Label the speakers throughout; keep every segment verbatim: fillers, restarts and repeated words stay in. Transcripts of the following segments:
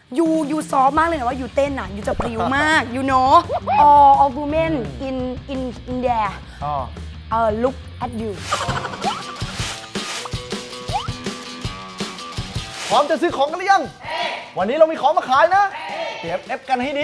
Speaker 1: ยูยูซอฟมากเลยนะว่ายูเต้นอ่ะยูจะพริ้วมาก you know all of women in in in there
Speaker 2: อ๋อ
Speaker 1: uh, look at you
Speaker 2: พร้อมจะซื้อของกันหรือยัง วันนี้เรามีของมาขายนะ เตรียมเอฟกันให้ดี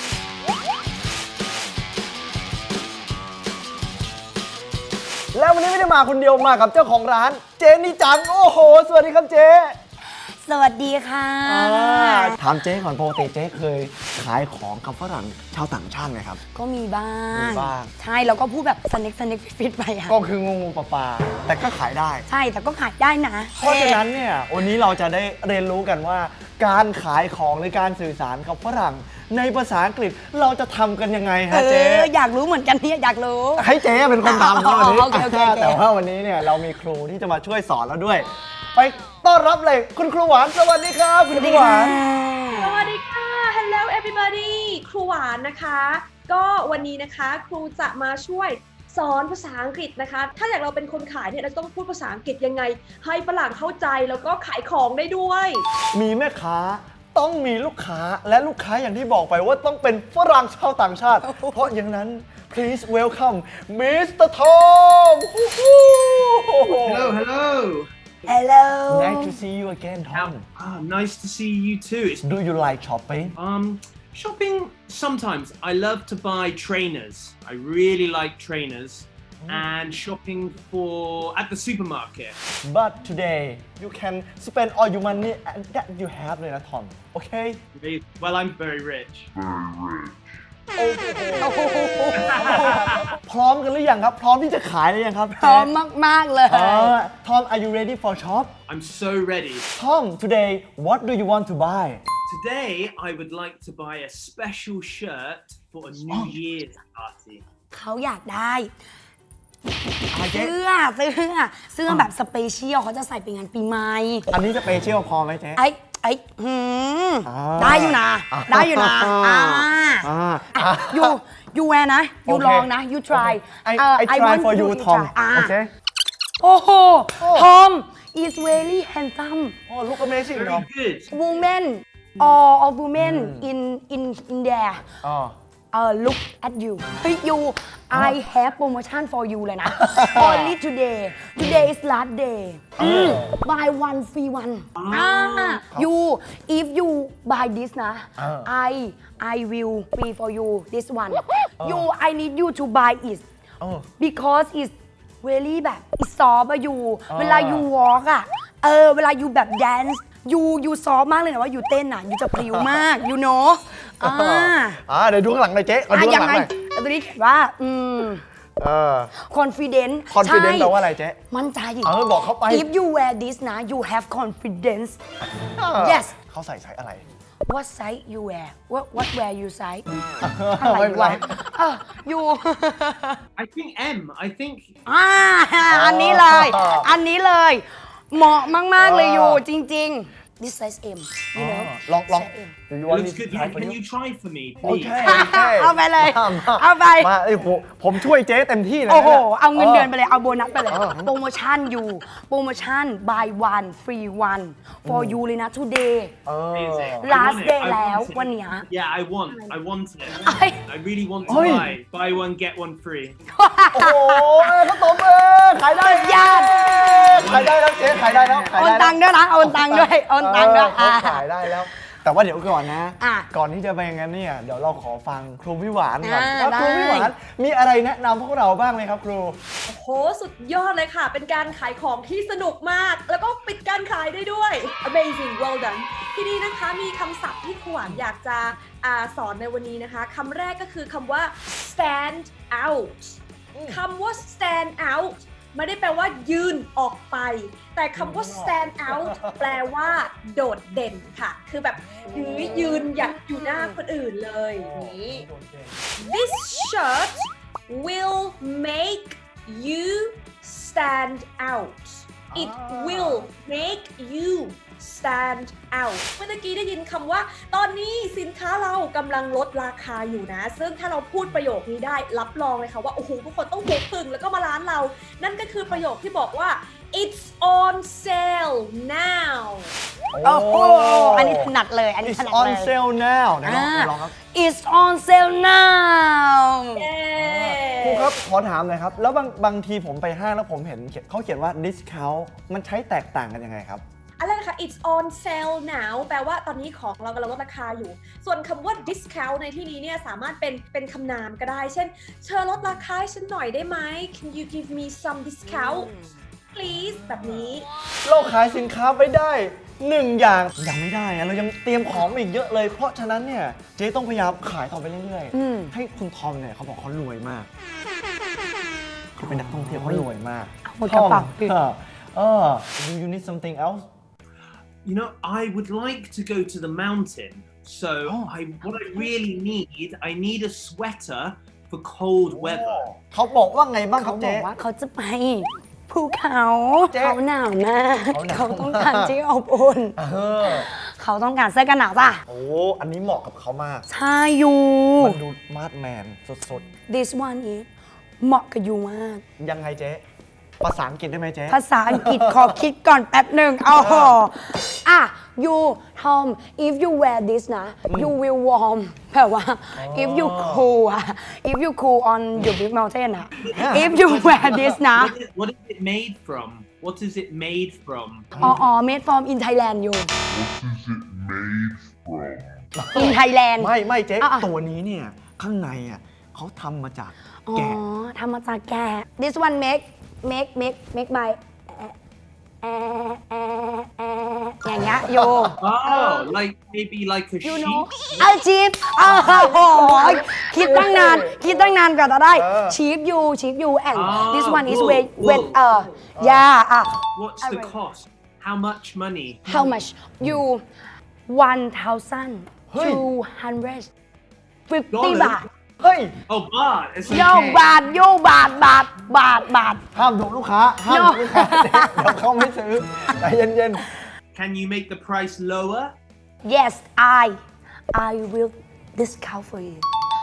Speaker 2: แล้ววันนี้ไม่ได้มาคนเดียวมากับเจ้าของร้านเจนี่จัง โอ้โห สวัสดีครับเจ๊
Speaker 1: สวัสดีค่ะ
Speaker 2: ถามเจ๊ก่อนปกติเจ๊เคยขายของกับฝรั่งชาวต่างชาติไหมครับ
Speaker 1: ก็มีบ้าง
Speaker 2: มีบ้าง
Speaker 1: ใช่แล้วก็พูดแบบสเน็กสเน็กฟิตไปอะ
Speaker 2: ก็คืองงๆปลาๆแต่ก็ขายได้
Speaker 1: ใช่แต่ก็ขายได้นะ
Speaker 2: เพราะฉะนั้นเนี่ยวันนี้เราจะได้เรียนรู้กันว่า การขายของหรือการสื่อสารกับฝรั่งในภาษาอังกฤษเราจะทำกันยังไง
Speaker 1: เอ
Speaker 2: ฮะเจ๊
Speaker 1: ออยากรู้เหมือนกันเนี่ยอยากรู้
Speaker 2: ให้เจ๊เป็นคนทำนะวันนี้
Speaker 1: โอเคโอเคโอเค
Speaker 2: แต่ว่าวันนี้เนี่ยเรามีครูที่จะมาช่วยสอนเราด้วย ไปต้อนรับเลยคุณครูหวานสวัสดีครับคุณครูหวาน
Speaker 3: สวัสดีค่ะ Hello everybody ครูหวานนะคะ ก็วันนี้นะคะครูจะมาช่วยสอนภาษาอังกฤษนะคะ ถ้าอยากเราเป็นคนขายเนี่ยเราต้องพูดภาษาอังกฤษยังไง ให้ฝรั่งเข้าใจแล้วก็ขายของได้ด้วย
Speaker 2: มีแม่ค้าต้องมีลูกค้าและลูกค้าอย่างที่บอกไปว่าต้องเป็นฝรั่งชาวต่างชาติ เพราะอย่างนั้น please welcome มิสเตอร์ Tom
Speaker 4: Hello, hello.
Speaker 1: Hello
Speaker 2: Nice to see you again Tom
Speaker 4: Ah, nice to see you too. It's,
Speaker 2: Do you like shopping
Speaker 4: um, shopping sometimes. I love to buy trainers. I really like trainers. And shopping for at the supermarket.
Speaker 2: But today you can spend all your money that you have เลยนะ Tom Okay
Speaker 4: Well, I'm very rich.
Speaker 2: พร้อมกันหรือยังครับ พร้อมที่จะขายหรือยังครับ
Speaker 1: พร้อมมากๆเลย
Speaker 2: เออ Tom are you ready for shop
Speaker 4: I'm so ready.
Speaker 2: Tom today what do you want to buy
Speaker 4: Today, I would like to buy a special shirt for a New Year's party.
Speaker 1: เขาอยากได้
Speaker 2: อะไรเจ๊
Speaker 1: เสื้อเสื้อเสื้อแบบสเปเชียลเขาจะใส่ไปงานปีใหม่
Speaker 2: อันนี้จะเปเชียลพอไหมเจ๊
Speaker 1: ไอ้ไอ้หืม
Speaker 2: อ่า
Speaker 1: ได้อยู่นะ ได้อยู่นะอ่า
Speaker 2: อ่า
Speaker 1: อ่ะ you you wear นะ you
Speaker 2: โอเค
Speaker 1: ลองนะ you try
Speaker 2: I
Speaker 1: เอ่อ
Speaker 2: I try
Speaker 1: want
Speaker 2: for you
Speaker 1: to
Speaker 2: Tom
Speaker 1: try อ่า
Speaker 2: โอเค
Speaker 1: โอ้โห Tom is very handsome
Speaker 2: โอ้ look amazing Tom
Speaker 4: Very good.
Speaker 1: women all of women in in in there
Speaker 2: อ๋อ
Speaker 1: uh, look at you เฮ้ย you I have promotion for you เลยนะ only today today is last day อืม buy one free one อ่า you if you buy this นะ I I will free for you this one you I need you to buy it
Speaker 2: เออ
Speaker 1: because it's really แบบ it's soft อะ you เวลา you walk อะเออเวลา you แบบ dance you you soft มากเลยนะว่า you เต้นอะ you จะพริ้วมาก you know อ่า
Speaker 2: อ่าเดี๋ยวดูข้างหลังหน่อยเจ๊ขอ
Speaker 1: อ่ะ
Speaker 2: ดู
Speaker 1: ยั
Speaker 2: ข้าง งห
Speaker 1: ไง
Speaker 2: ลังหน่อย
Speaker 1: แต่ตัวนี้เขียนว่า อืม
Speaker 2: เออ
Speaker 1: confident
Speaker 2: confident
Speaker 1: ใช่
Speaker 2: แปลว่าอะไรเจ๊
Speaker 1: มั่นใจ
Speaker 2: เออบอกเขาไป
Speaker 1: if you wear this นะ you have confidence yes
Speaker 2: เขาใส่ไซส์อะไร
Speaker 1: what size you wear what what wear you size
Speaker 2: ไม่เป็นไร
Speaker 1: เออ you
Speaker 4: I think M. I think
Speaker 1: อ่าอันนี้เลย อันนี้เลย เหมาะมาก ๆ เลยอยู่จริง ๆ this size M you know
Speaker 2: ลองลอง
Speaker 1: size M
Speaker 2: Do you
Speaker 4: it
Speaker 2: want
Speaker 4: looks
Speaker 2: me to
Speaker 4: good.
Speaker 2: try
Speaker 4: Yeah,
Speaker 2: for
Speaker 4: can
Speaker 2: you
Speaker 4: you try for me,
Speaker 2: โอ
Speaker 4: please?
Speaker 2: เคโอเค
Speaker 1: เอาไปเลย
Speaker 2: มามา
Speaker 1: เอาไป
Speaker 2: มาไอ้ผมผมช่วยเจ๊เต็มที่เลยนะ
Speaker 1: โอ้โห
Speaker 2: นี่ย
Speaker 1: เอาเงินเดือนไปเลย เอาโบนัสไปเลย
Speaker 2: เออ
Speaker 1: โปรโมชั่นอยู่ โปรโมชั่น buy one free one for you เลยนะ today
Speaker 2: เออ
Speaker 4: Amazing. I
Speaker 1: last
Speaker 4: want it.
Speaker 1: day
Speaker 4: I
Speaker 1: แล้ว
Speaker 4: want it.
Speaker 1: วันเนี้ย
Speaker 4: Yeah, I want. I want it.
Speaker 1: Ay.
Speaker 4: I really want to
Speaker 2: Ay.
Speaker 4: buy. Buy one, get one free.
Speaker 2: โอ้โหข้าวต้มเออขายได้
Speaker 1: สุดยอด
Speaker 2: ขายได้แล้วเจ๊ขายได้แล้วขาย
Speaker 1: โอน
Speaker 2: ได้
Speaker 1: ตังค์ด้วยนะ โอนตังค์ด้วย โอนตังค์ด้วย
Speaker 2: เออเขาขายได้แล้ว แต่ว่าเดี๋ยวก่อนนะ
Speaker 1: อ่ะ
Speaker 2: ก่อนที่จะไปอย่างนั้นเนี่ยเดี๋ยวเราขอฟังครูพี่หวานก่อน
Speaker 1: อ่า
Speaker 2: ว่าครู
Speaker 1: ได้
Speaker 2: พี่หวานมีอะไรแนะนำพวกเราบ้างไหมครับครู
Speaker 3: โอ้โห สุดยอดเลยค่ะ เป็นการขายของที่สนุกมาก แล้วก็ปิดการขายได้ด้วย Amazing well done ที่นี่นะคะมีคำศัพท์ที่ครูหวานอยากจะอาสอนในวันนี้นะคะคำแรกก็คือคำว่า stand out คำว่า stand out ไม่ได้แปลว่ายืนออกไป แต่คำว่า stand out แปลว่าโดดเด่นค่ะ คือแบบยืนยืนหยัดอยู่หน้าคนอื่นเลยนี้ This shirt will make you stand out. It will make you stand out เมื่อกี้ได้ยินคำว่าตอนนี้สินค้าเรากำลังลดราคาอยู่นะ ซึ่งถ้าเราพูดประโยคนี้ได้รับรองเลยค่ะว่า โอ้โห ทุกคนต้องหุบพึงแล้วก็มาร้านเรา นั่นก็คือประโยคที่บอกว่า it's on sale now
Speaker 1: โอ้โหอันนี้ถนัดเลยอันนี้
Speaker 2: It's
Speaker 1: ถนัด
Speaker 2: on
Speaker 1: เลย
Speaker 2: sale now ไหนลอง
Speaker 1: อ่า
Speaker 2: ไหนลองครับ
Speaker 1: It's on sale now
Speaker 3: เย้
Speaker 2: ครูครับ ขอถามหน่อยครับ แล้วบางบางทีผมไปห้างแล้วผมเห็นเขียนเขาเขียนว่า discount มันใช้แตกต่างกันยังไงครับ
Speaker 3: อะไรนะคะ it's on sale now แปลว่าตอนนี้ของเรากำลังลดราคาอยู่ ส่วนคำว่า discount ในที่นี้เนี่ยสามารถเป็นเป็นคำนามก็ได้ เช่นเธอลดราคาให้ฉันหน่อยได้ไหม can you give me some discount please แบบนี้
Speaker 2: เราขายสินค้าไปได้หนึ่งอย่างยังไม่ได้อะเรายังเตรียมของมาอีกเยอะเลย เพราะฉะนั้นเนี่ยเจ๊ต้องพยายามขายต่อไปเรื่อย
Speaker 1: อืม
Speaker 2: ๆ ให้คุณทอมเนี่ยเขาบอกเขารวยมากเขาเป็นนักท่องเที่ยวเขารวยมาก
Speaker 1: หมดกระเป๋า
Speaker 2: ทอมเออเออ do you need something else
Speaker 4: You know, I would like to go to the mountain. So
Speaker 2: Oh.
Speaker 4: I, what I really need, I need a sweater for cold weather.
Speaker 2: เขาบอกว่าไงบ้างค
Speaker 1: เขา
Speaker 2: รับ
Speaker 1: บอ
Speaker 2: เจ๊
Speaker 1: กว่าเขาจะไปภูเขา
Speaker 2: เจ๊
Speaker 1: เขาหนาวมาก
Speaker 2: เขาหนาว
Speaker 1: เขาต้องการที่อบอุ่น
Speaker 2: เออ
Speaker 1: เขาต้องการเสื้อกันหนาวจ้ะ
Speaker 2: โอ้อันนี้เหมาะกับเขามาก
Speaker 1: ใช่อยู่
Speaker 2: มันดูมาดแมนสุด
Speaker 1: this one is เหมาะกับยูมาก
Speaker 2: ๆ ยังไงเจ๊ภาษาอังกฤษได้ไหมเจ๊
Speaker 1: ภาษาอังกฤษ ขอคิดก่อนแป๊บหนึ่งเอาหออ่ะ you Tom if you wear this นะ you will warm แปลว่า if you cool อะ if you cool on your big mountain อะ if you wear this นะ
Speaker 4: What is, what is it made from? What is it made from?
Speaker 1: อ๋ออ๋อ made from in Thailand อยู่
Speaker 5: What is it made from?
Speaker 1: in Thailand
Speaker 2: ไม่ไม่เจ๊
Speaker 1: อ่ะอ่ะ
Speaker 2: ตัวนี้เนี่ย ข้างในอ่ะเขาทำมาจาก
Speaker 1: อ๋อ
Speaker 2: แกะ
Speaker 1: ทำมาจากแกะ this one make make make make by แอแอแออย่างเงี้ยโย
Speaker 4: Oh, like maybe like a
Speaker 1: you
Speaker 4: sheep.
Speaker 1: know เอาชีฟอ้าวโอ้ยคิดตั้งนาน คิดตั้งนานกว่าจะได้
Speaker 2: เออ
Speaker 1: ชีฟยูชีฟยู and
Speaker 4: อ่า
Speaker 1: this one is
Speaker 4: wool,
Speaker 1: with
Speaker 4: wool.
Speaker 1: with เอ่อ yeah อ่ะ
Speaker 4: What's the cost? How much money?
Speaker 1: how much you one thousand
Speaker 2: เฮ้ย
Speaker 1: two hundred fifty
Speaker 4: Dollars?
Speaker 1: บาท
Speaker 2: เฮ้ย
Speaker 4: Oh, baht. It's
Speaker 1: โย
Speaker 4: okay.
Speaker 1: บาทโยบาทบาทบาทบาท
Speaker 2: ห้ามดุลูกค้า ห้ามดุลูกค้าเจ๊เดี๋ยวเขาไม่ซื้อใจเย็น
Speaker 4: Can you make the price lower?
Speaker 1: yes I I will discount for you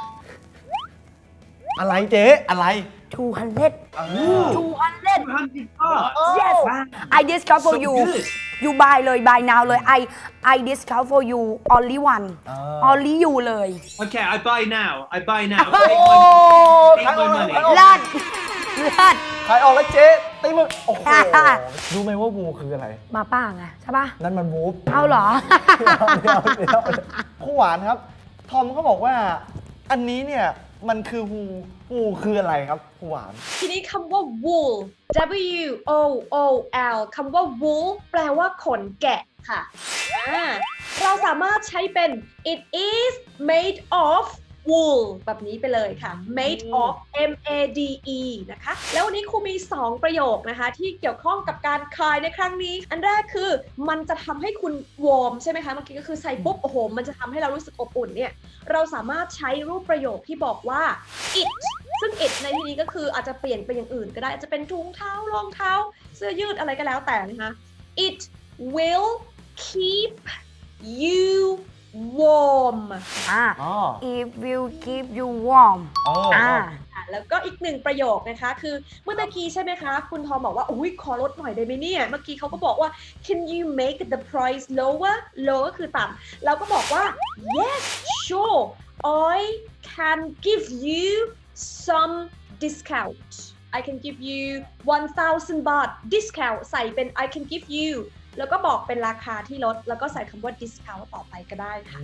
Speaker 2: ๆ อะไรเจ๊อะไร
Speaker 1: two hundred two hundred
Speaker 4: two hundred baht.
Speaker 1: yes
Speaker 4: Wow.
Speaker 1: I discount for
Speaker 4: So
Speaker 1: you
Speaker 4: good.
Speaker 1: you buy เลย buy now เลย I I discount for you only one
Speaker 2: อ่า
Speaker 1: only you เลย
Speaker 4: Okay, I buy now. I buy now.
Speaker 2: โอ้
Speaker 4: Take my,
Speaker 2: ขาย
Speaker 4: take
Speaker 2: ออก
Speaker 4: my
Speaker 2: แล้ว
Speaker 4: money.
Speaker 2: ขายออก
Speaker 1: เลิศเลิศ
Speaker 2: ขายออกแล้วเจ๊ตีมึงโอ้โหรู้ไหมว่าวูคืออะไร
Speaker 1: มาป้าไงใช่ปะ
Speaker 2: นั่นมันวูฟ
Speaker 1: เอาเหรอ
Speaker 2: เดี๋ยวเดี๋ยวเดี๋ยวผู้หวานครับ ทอมเขาบอกว่า อันนี้เนี่ย มันคือฮูฮูคืออะไรครับผู้หวาน
Speaker 3: ทีนี้คำว่า wool W O O L คำว่า wool แปลว่าขนแกะค่ะอ่าเราสามารถใช้เป็น it is made of wool แบบนี้ไปเลยค่ะ made of M A D E นะคะ แล้ววันนี้ครูมี สอง ประโยคนะคะ ที่เกี่ยวข้องกับการคลายในครั้งนี้ อันแรกคือมันจะทำให้คุณวอร์มใช่ไหมคะ เมื่อกี้ก็คือใส่ปุ๊บ โอ้โห มันจะทำให้เรารู้สึกอบอุ่นเนี่ย เราสามารถใช้รูปประโยคที่บอกว่า it ซึ่ง it ในที่นี้ก็คืออาจจะเปลี่ยนไปอย่างอื่นก็ได้อาจจะเป็นถุงเท้ารองเท้า เสื้อยืดอะไรก็แล้วแต่นะคะ it will keep you warm
Speaker 1: อ่า
Speaker 2: อ๋อ
Speaker 1: it will keep you warm
Speaker 2: เออ
Speaker 1: อ่า
Speaker 3: อ่ะแล้วก็อีกหนึ่งประโยคนะคะคือเมื่อตะกี้ใช่ไหมคะ คุณทอมบอกว่าอุ้ยขอลดหน่อยได้ไหมเนี่ย เมื่อกี้เขาก็บอกว่า can you make the price lower low ก็คือต่ำเราก็บอกว่า yes sure I can give you some discount I can give you one thousand บาท discount ใส่เป็น I can give you แล้วก็บอกเป็นราคาที่ลด แล้วก็ใส่คำว่า discount ต่อไปก็ได้ค่ะ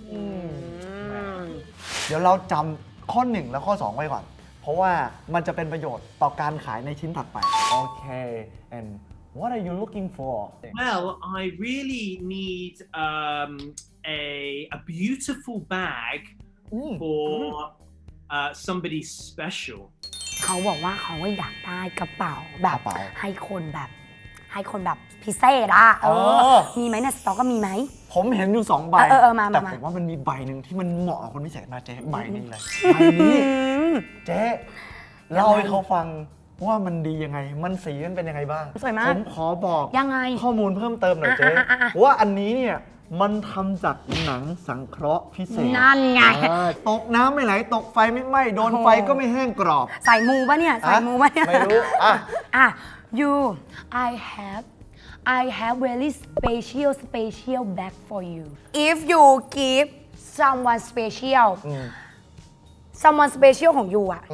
Speaker 2: เดี๋ยวเราจำข้อหนึ่งและข้อสองไว้ก่อน เพราะว่ามันจะเป็นประโยชน์ต่อการขายในชิ้นถัดไป โอเค and what are you looking for
Speaker 4: Well, I really need um, a a beautiful bag
Speaker 2: อืม
Speaker 4: for uh, somebody special.
Speaker 1: เขาบอกว่าเขาอยากได้กระเป๋าแบบ
Speaker 2: กระเป๋า
Speaker 1: ให้คนแบบ ให้คนแบบพิเศษอะเอ
Speaker 2: เอ
Speaker 1: อ
Speaker 2: อ
Speaker 1: มีไหมในสต็อกก็มีไหม
Speaker 2: ผมเห็นอยู่สองใบ
Speaker 1: เออเออมามา
Speaker 2: แต่
Speaker 1: มา
Speaker 2: ผมว่ามันมีใบหนึ่งที่มันเหมาะกับคนพิเศษมากเจ๊ใบนี้เลยใบนี้เจ๊เล่าให้เขาฟังว่ามันดียังไง มันสีมันเป็นยังไงบ้าง
Speaker 1: สวยมาก
Speaker 2: ผมขอบอก
Speaker 1: ยังไง
Speaker 2: ข้อมูลเพิ่มเติมหน่อยเจ๊
Speaker 1: อ่ะอ่ะอ่ะ
Speaker 2: ว่าอันนี้เนี่ยมันทำจากหนังสังเคราะห์พิเศษ
Speaker 1: นั่นไง
Speaker 2: เออตกน้ำไม่ไหลตกไฟไม่ไหม้โดน
Speaker 1: โอ้โห
Speaker 2: ไฟก็ไม่แห้งกรอบ
Speaker 1: ใส่มูปะเนี่ย ใส่มูปะเนี่ย
Speaker 2: ไม่รู้อ่ะ
Speaker 1: อ่ะ you I have I have very special special bag for you if you give someone special someone special ของ you อะ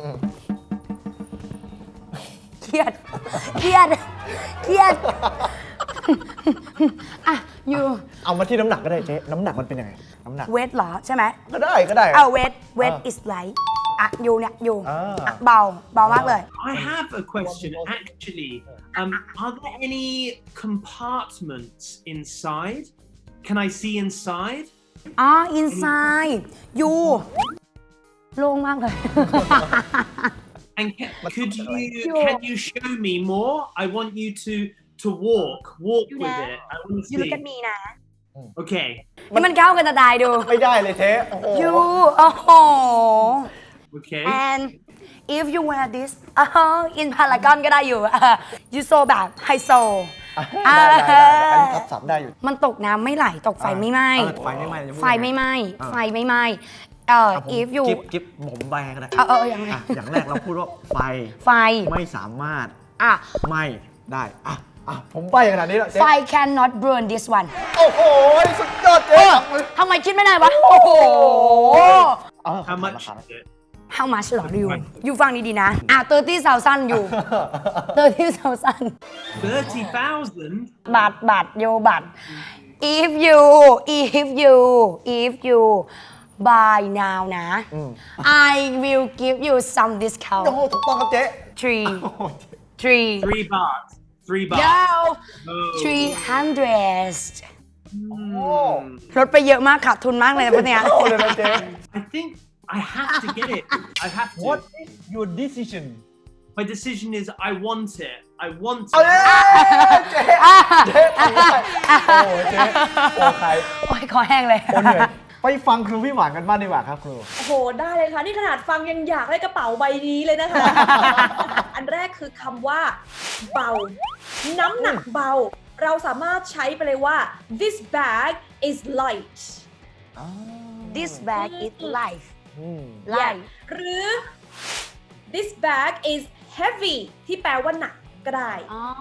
Speaker 1: เครียดเครียดเครียดอ่ะ you
Speaker 2: เอามาที่น้ำหนักก็ได้เจ๊น้ำหนักมันเป็นยังไงน้ำหนัก
Speaker 1: weight เหรอใช่ไหม
Speaker 2: ก็ได้ก็ได้
Speaker 1: เอา weight weight
Speaker 2: อ่า
Speaker 1: is light อ่ะ you เนี่ย you
Speaker 2: อ่า
Speaker 1: อ่ะเบาเบามากเลย
Speaker 4: I have a question actually. Um, are there any compartments inside? Can I see inside?
Speaker 1: อ๋อ inside you โล่งมากเลย
Speaker 4: And can, could you can you show me more? I want you to to walk walk with it. I want to
Speaker 3: you look at
Speaker 4: see.
Speaker 3: me นะ
Speaker 4: Okay.
Speaker 1: นี่มันเข้ากันจะตายดู
Speaker 2: ไม่ได้เลยเจ๊โอ้โห
Speaker 1: you โอ้โห
Speaker 4: Okay.
Speaker 1: and if you wear this อ๋อ in Paragon ก็ได้อยู่ you so แบบไฮโซ
Speaker 2: ได้ได้ได้อันนี้ทับศัพท์ได้อยู่
Speaker 1: มันตกน้ำไม่ไหลตกไฟไม่ไหม้
Speaker 2: เออไฟไม่ไหม้จะพูด
Speaker 1: ไฟไม่ไหม้
Speaker 2: ยังไง
Speaker 1: ไฟไม่ไหม้เอ่อ
Speaker 2: อ่ะผม
Speaker 1: if you
Speaker 2: กิ๊บกิ๊บผมใบให้ก็ได้
Speaker 1: เออเออยังไง
Speaker 2: อ่ะอย่างแรกเราพูดว่าไฟ
Speaker 1: ไฟ
Speaker 2: ไม่สามารถ
Speaker 1: อ่ะ
Speaker 2: ไหม้ได้อ่ะอ่ะผมใบขนาดนี้แล้วเจ๊
Speaker 1: ไฟ cannot burn this one
Speaker 2: โอ้โหสุดยอดเจ๊จับมือ
Speaker 1: ทำไมคิดไม่ได้วะ โอ้โห
Speaker 2: เออ
Speaker 4: How
Speaker 2: รา
Speaker 4: much
Speaker 2: คา
Speaker 4: is it?
Speaker 1: how much หรอดิวอยู่ฟังดีๆนะ อ่ะthirty thousand อยู่ thirty thousand
Speaker 4: Thirty thousand.
Speaker 1: บาทบาทโยบาท if you if you if you buy now นะ I will give you some discount
Speaker 2: โอ้โหถูกต้องครับเจ๊
Speaker 1: three
Speaker 2: โอ้โห
Speaker 1: three
Speaker 4: Three baht. Three baht.
Speaker 1: no
Speaker 4: Oh.
Speaker 1: three hundred
Speaker 2: โอ้
Speaker 1: ลดไปเยอะมากขาดทุนมากเลยนะพวกเนี้ย
Speaker 2: เข้าเลยนะเจ๊
Speaker 4: I think I have to get it. I have to.
Speaker 2: What is your decision
Speaker 4: My decision is I want it. I want
Speaker 2: เอาเลย
Speaker 4: it.
Speaker 2: เจ๊เจ๊ทำได้โอ้โหเจ๊โอ้ใคร
Speaker 1: โอ้ยคอแห้งเลย
Speaker 2: โอ้เหนื่อยไปฟังครูพี่หวานกันบ้างดีกว่าครับครู
Speaker 3: โอ้โห ได้เลยค่ะ นี่ขนาดฟังยังอยากได้กระเป๋าใบนี้เลยนะคะ อันแรกคือคำว่าเบา น้ำหนักเบา เราสามารถใช้ไปเลยว่า this bag is light
Speaker 1: this bag is life
Speaker 2: อืม
Speaker 1: life
Speaker 3: หรือ this bag is heavy ที่แปลว่าหนักก็ได้
Speaker 1: อ๋อ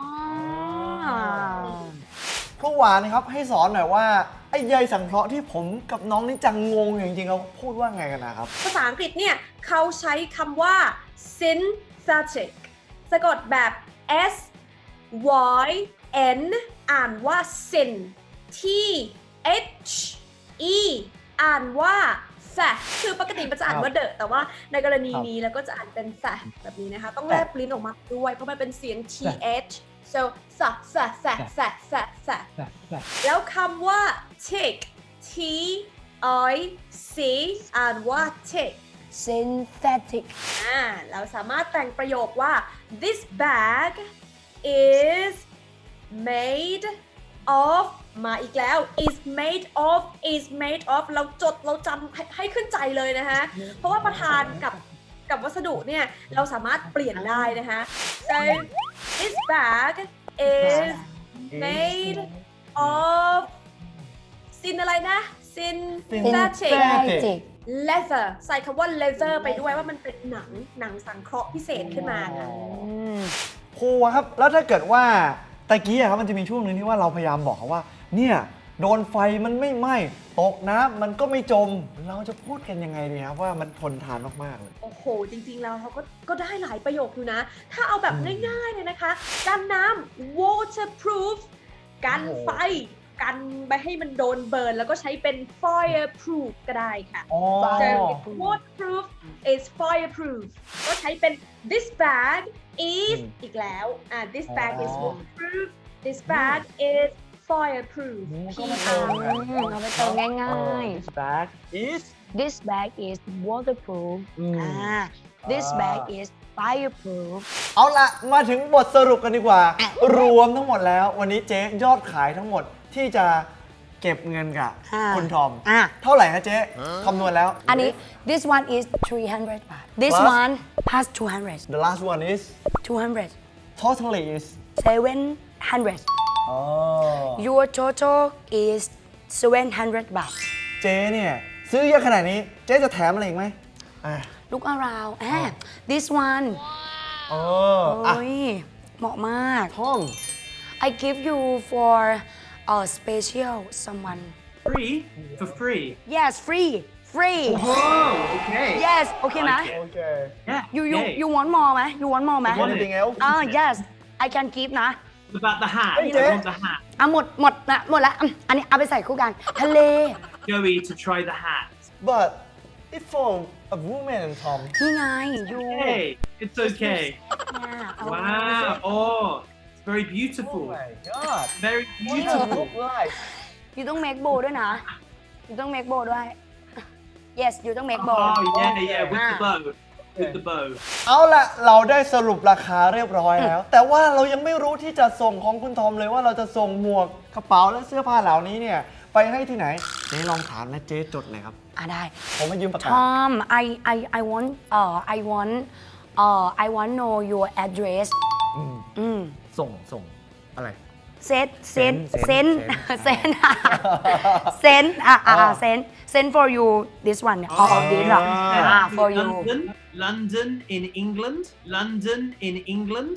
Speaker 2: ครูหวานครับให้สอนหน่อยว่าไอ้ใยสังเคราะห์ที่ผมกับน้องนี่จังงงอยู่จริงๆเขาพูดว่าไงกันนะครับ
Speaker 3: ภาษาอังกฤษเนี่ยเขาใช้คำว่า synthetic สะกดแบบ S Y N อ่านว่า syn T H E อ่านว่า fat คือปกติมันจะอ่านว่า the แต่ว่าในกรณีนี้แล้วก็จะอ่านเป็น fat แบบนี้นะคะ ต้องแลบลิ้นออกมาด้วยเพราะมันเป็นเสียง T H so fat fat fat fat fat fat แล้วคำว่า tick T I C อ่านว่า tick
Speaker 1: synthetic
Speaker 3: อ่าเราสามารถแต่งประโยคว่า this bag is made of มาอีกแล้ว is made of is made of เราจดเราจำให้ให้ขึ้นใจเลยนะคะ เพราะว่าประธานกับกับวัสดุเนี่ย เราสามารถเปลี่ยนได้นะคะ so this bag is made of ซินอะไรนะ synthetic
Speaker 1: synthetic
Speaker 3: leather ใส่คำว่า leather ไปด้วยว่ามันเป็นหนังหนังสังเคราะห์พิเศษขึ้นมาค่ะ
Speaker 2: ครูครับแล้วถ้าเกิดว่าตะกี้อะครับมันจะมีช่วงหนึงที่ว่าเราพยายามบอกเขาว่าเนี่ยโดนไฟมันไม่ไหม้ตกน้ำมันก็ไม่จม เราจะพูดกันยังไงดีครับว่ามันทนทานมากๆเลย
Speaker 3: โอ้โห จริงๆ แล้วเขาก็ก็ได้หลายประโยคอยู่นะ ถ้าเอาแบบง่ายๆ เลยนะคะ กันน้ำ waterproof กันไฟ กันไม่ให้มันโดนเบิร์น แล้วก็ใช้เป็น fireproof ก็ได้ค่ะ
Speaker 2: อ๋อ
Speaker 3: so waterproof is fireproof ก็ใช้เป็น this bag is อีกแล้ว อ่า this bag is waterproof this bag is fireproof
Speaker 2: ก็ไม่
Speaker 3: P
Speaker 2: เติม
Speaker 3: R
Speaker 2: กัน
Speaker 1: เอาไปเติมง่ายๆ
Speaker 2: This bag is
Speaker 1: This bag is waterproof
Speaker 2: อืม
Speaker 1: อ่า This
Speaker 2: อ่า
Speaker 1: bag is fireproof
Speaker 2: เอาละมาถึงบทสรุปกันดีกว่า รวมทั้งหมดแล้ว วันนี้เจ๊ยอดขายทั้งหมดที่จะเก็บเงินกับ
Speaker 1: อ่า
Speaker 2: คุณทอม
Speaker 1: อ่า
Speaker 2: เท่าไหร่ฮะเจ๊คำนวณแล้ว
Speaker 1: อันนี้ this one is three hundred บาท this
Speaker 2: Plus
Speaker 1: one has two hundred
Speaker 2: The last one is
Speaker 1: two hundred
Speaker 2: totally is
Speaker 1: seven hundred
Speaker 2: อ๋อ
Speaker 1: your total is seven hundred บาท
Speaker 2: เจ๊เนี่ยซื้อเยอะขนาดนี้เจ๊จะแถมอะไรอีกไหมอ่ะ
Speaker 1: look around อ่า this one
Speaker 2: เอออ่ะ
Speaker 1: โอ้ยเหมาะมาก
Speaker 2: ทอม
Speaker 1: I give you for a special someone
Speaker 4: Free? For free?
Speaker 1: yes free free
Speaker 4: Oh, okay.
Speaker 1: yes โอเคไหม
Speaker 4: Like it.
Speaker 2: โอเค
Speaker 4: Yeah.
Speaker 1: you you
Speaker 4: yay.
Speaker 1: you want more ไหม you want more ไหม
Speaker 4: want
Speaker 2: anything else
Speaker 1: อ่า yes I can give นะ
Speaker 4: What about the hat?
Speaker 2: Hey,
Speaker 4: I
Speaker 2: Jay.
Speaker 4: want the hat.
Speaker 1: อ่ะหมดหมดละหมดละอืมอันนี้เอาไปใส่คู่กันทะเล
Speaker 4: Joey to try the hat.
Speaker 2: but it's for a woman and Tom
Speaker 1: นี่ไง you
Speaker 4: Hey, it's okay.
Speaker 1: เนี่ยเอา
Speaker 4: Wow. Oh, it's very
Speaker 2: oh
Speaker 4: beautiful.
Speaker 2: my god
Speaker 4: Very
Speaker 2: what does it
Speaker 4: beautiful.
Speaker 2: look like
Speaker 1: you ต้อง make bow ด้วยนะ you ต้อง make bow ด้วย yes you ต้อง make bow
Speaker 4: Oh, yeah, yeah, with the
Speaker 1: Ah.
Speaker 4: bow. With the bow.
Speaker 2: เอาละเราได้สรุปราคาเรียบร้อยแล้ว แต่ว่าเรายังไม่รู้ที่จะส่งของคุณทอมเลยว่าเราจะส่งหมวกกระเป๋าและเสื้อผ้าเหล่านี้เนี่ย ไปให้ที่ไหนเจ๊ลองถามและเจ๊จดเลยครับ
Speaker 1: อ่ะได้
Speaker 2: ผมมายืมปากกา
Speaker 1: Tom I I I want เอ่อ I want เอ่อ I want know your address
Speaker 2: อืม
Speaker 1: อืม
Speaker 2: ส่งส่งอะไร
Speaker 1: เซนเซน
Speaker 2: Send
Speaker 1: เซน
Speaker 2: send
Speaker 1: เซนเซนอ่ะอ่ะ
Speaker 2: อ่า
Speaker 1: เซนเซน for you this one เนี่ย all of this อ่ะ
Speaker 2: อ่า
Speaker 1: อ่ะ for you
Speaker 4: London, London in England, London in England.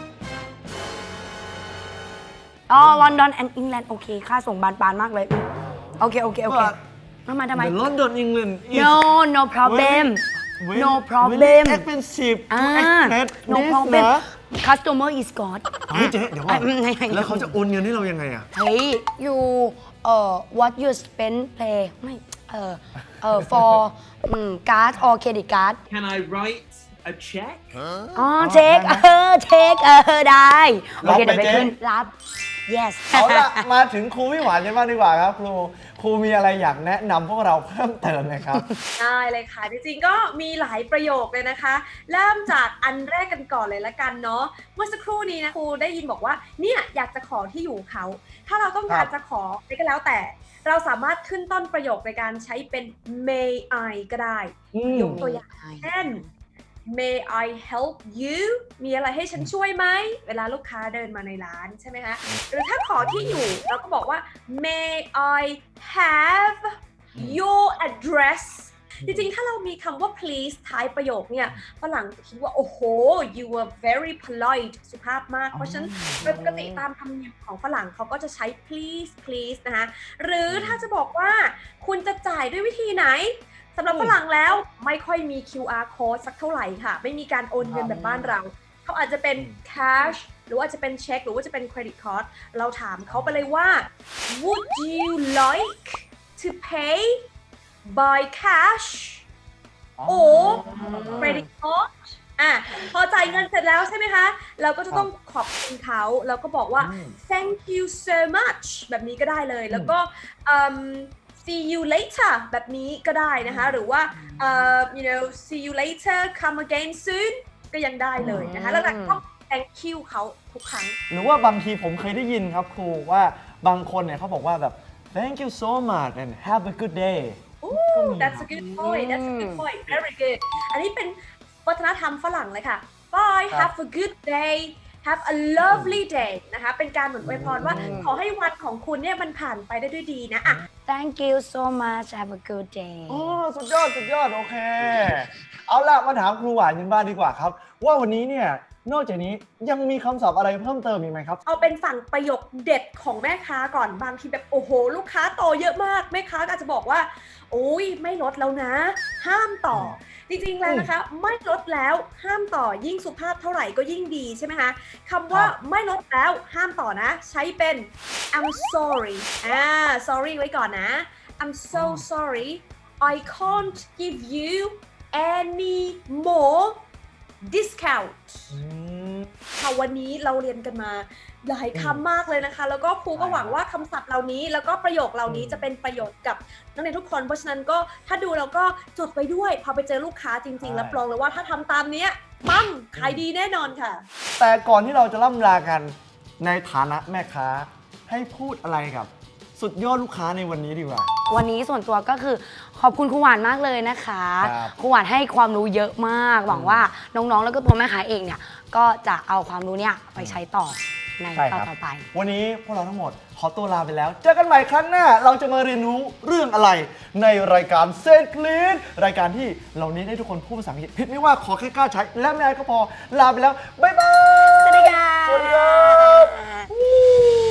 Speaker 1: อ๋อ London and England โอเค ค่าส่งบานปลานมากเลยอืมโอเค โอเค โอเค
Speaker 2: But
Speaker 1: ทำไมทำไม
Speaker 2: The London England is
Speaker 1: no no problem
Speaker 2: very-
Speaker 1: no
Speaker 2: very
Speaker 1: problem
Speaker 2: expensive
Speaker 1: อ่า
Speaker 2: to expect
Speaker 1: no
Speaker 2: this
Speaker 1: problem
Speaker 2: นะ
Speaker 1: customer is God
Speaker 2: เฮ้ยเจ๊เดี๋ยวก่อน
Speaker 1: อ่ะไม่ไม่
Speaker 2: แล้วเขาจะโอนเงินให้เรายังไงอะ
Speaker 1: เฮ้ย you เอ่อ what you spend play ไม่เอ่อเอ่อ for อืม card or credit card
Speaker 4: Can I write a check?
Speaker 1: อ๋อเช็คเออเช็คเออได้ โอเค
Speaker 2: รับไหม
Speaker 1: เดี๋ยวไป
Speaker 2: เจ๊
Speaker 1: ขึ้น รับ yes
Speaker 2: เอาละมาถึงครูพี่หวานกันบ้างดีกว่าครับครูครูมีอะไรอยากแนะนำพวกเราเพิ่มเติมไหมครับ
Speaker 3: ได้เลยค่ะ จริงๆก็มีหลายประโยคเลยนะคะ เริ่มจากอันแรกกันก่อนเลยละกันเนาะเมื่อสักครู่นี้นะครูได้ยินบอกว่าเนี่ยอยากจะขอที่อยู่เขา ถ้าเราต้องการจะขออะไรก็แล้วแต่ เราสามารถขึ้นต้นประโยคในการใช้เป็น may I ก็ได้
Speaker 2: อืม
Speaker 3: ยกตัวอย่างเช่น may I help you มีอะไรให้ฉันช่วยไหม เวลาลูกค้าเดินมาในร้านใช่ไหมคะ หรือถ้าขอที่อยู่เราก็บอกว่า may I have your address จริงๆ ถ้าเรามีคำว่า please ท้ายประโยคเนี่ยฝรั่งจะคิดว่า โอ้โห you were very polite สุภาพมาก เพราะฉะนั้นโดยปกติตามธรรมเนียมของฝรั่งเขาก็จะใช้ please please นะคะ หรือถ้าจะบอกว่าคุณจะจ่ายด้วยวิธีไหน สำหรับฝรั่งแล้วไม่ค่อยมี คิว อาร์ code สักเท่าไหร่ค่ะ ไม่มีการโอนเงินแบบบ้านเรา เขาอาจจะเป็น cash หรือว่าจะเป็นเช็คหรือว่าจะเป็น credit card เราถามเขาไปเลยว่า would you like to pay by cash or credit card อ่ะพอจ่ายเงินเสร็จแล้วใช่ไหมคะ เราก็จะต้องขอบคุณเขาแล้วก็บอกว่า thank you so much แบบนี้ก็ได้เลย แล้วก็อืม see you later แบบนี้ก็ได้นะคะ หรือว่าเอ่อ you know see you later come again soon ก็ยังได้เลยนะคะ แล้วเราต้อง thank you เขาทุกครั้ง
Speaker 2: หรือว่าบางทีผมเคยได้ยินครับครูว่าบางคนเนี่ยเขาบอกว่าแบบ thank you so much and have a good day
Speaker 3: Ooh, that's a good point that's a good point very good อันนี้เป็นวัฒนธรรมฝรั่งเลยค่ะ bye have a good day have a lovely day นะคะเป็นการเหมือนอวยพรว่าขอให้วันของคุณเนี่ยมันผ่านไปได้ด้วยดีนะอ่ะ
Speaker 1: thank you so much have a good day
Speaker 2: โอ้สุดยอดสุดยอดโอเค เอาล่ะมาถามครูหวานกันบ้างดีกว่าครับ ว่าวันนี้เนี่ยนอกจากนี้ยังมีคำศัพท์อะไรเพิ่มเติมอีกไหมครับ
Speaker 3: เอาเป็นฝั่งประโยคเด็ดของแม่ค้าก่อนบางทีแบบโอ้โห ลูกค้าโตเยอะมากแม่ค้าก็อาจจะบอกว่าโอ้ยไม่ลดแล้วนะ ห้ามต่อ จริงๆแล้วนะคะ ไม่ลดแล้วห้ามต่อยิ่งสุภาพเท่าไหร่ก็ยิ่งดีใช่ไหมคะคำว่า
Speaker 2: ครับ
Speaker 3: ไม่ลดแล้วห้ามต่อนะ ใช้เป็น I'm sorry อ่า sorry ไว้ก่อนนะ I'm so sorry I can't give you any more discount
Speaker 2: อืม
Speaker 3: ค่ะวันนี้เราเรียนกันมาหลายคำมากเลยนะคะ แล้วก็ครูก็หวังว่าคำศัพท์เหล่านี้ แล้วก็ประโยคเหล่านี้จะเป็นประโยชน์กับนักเรียนทุกคน เพราะฉะนั้นก็ถ้าดูแล้วก็จดไปด้วยพอไปเจอลูกค้าจริงๆรับรองเลยว่าถ้าทำตามเนี้ยปังขายดีแน่นอนค่ะ
Speaker 2: แต่ก่อนที่เราจะล่ำลากันในฐานะแม่ค้าให้พูดอะไรกับ สุดยอดลูกค้าในวันนี้ดีกว่า
Speaker 1: วันนี้ส่วนตัวก็คือขอบคุณครูหวานมากเลยนะคะ
Speaker 2: ครับ
Speaker 1: ครูหวานให้ความรู้เยอะมาก หวังว่าน้องๆ แล้วก็ตัวแม่ค้าเองเนี่ยก็จะเอาความรู้เนี่ยไปใช้ต่อใน
Speaker 2: ใช่
Speaker 1: ต
Speaker 2: ค
Speaker 1: อน
Speaker 2: รับ
Speaker 1: ต่อไป
Speaker 2: วันนี้พวกเราทั้งหมดขอตัวลาไปแล้ว เจอกันใหม่ครั้งหน้า เราจะมาเรียนรู้เรื่องอะไร ในรายการเซนคลีนรายการที่เราเน้นให้ทุกคนพูดภาษาอังกฤษผิดไม่ว่าขอแค่กล้าใช้ และไม่อายก็พอลาไปแล้ว บ๊ายบาย
Speaker 1: สวัสดีค่ะ
Speaker 2: สวัสดีครับ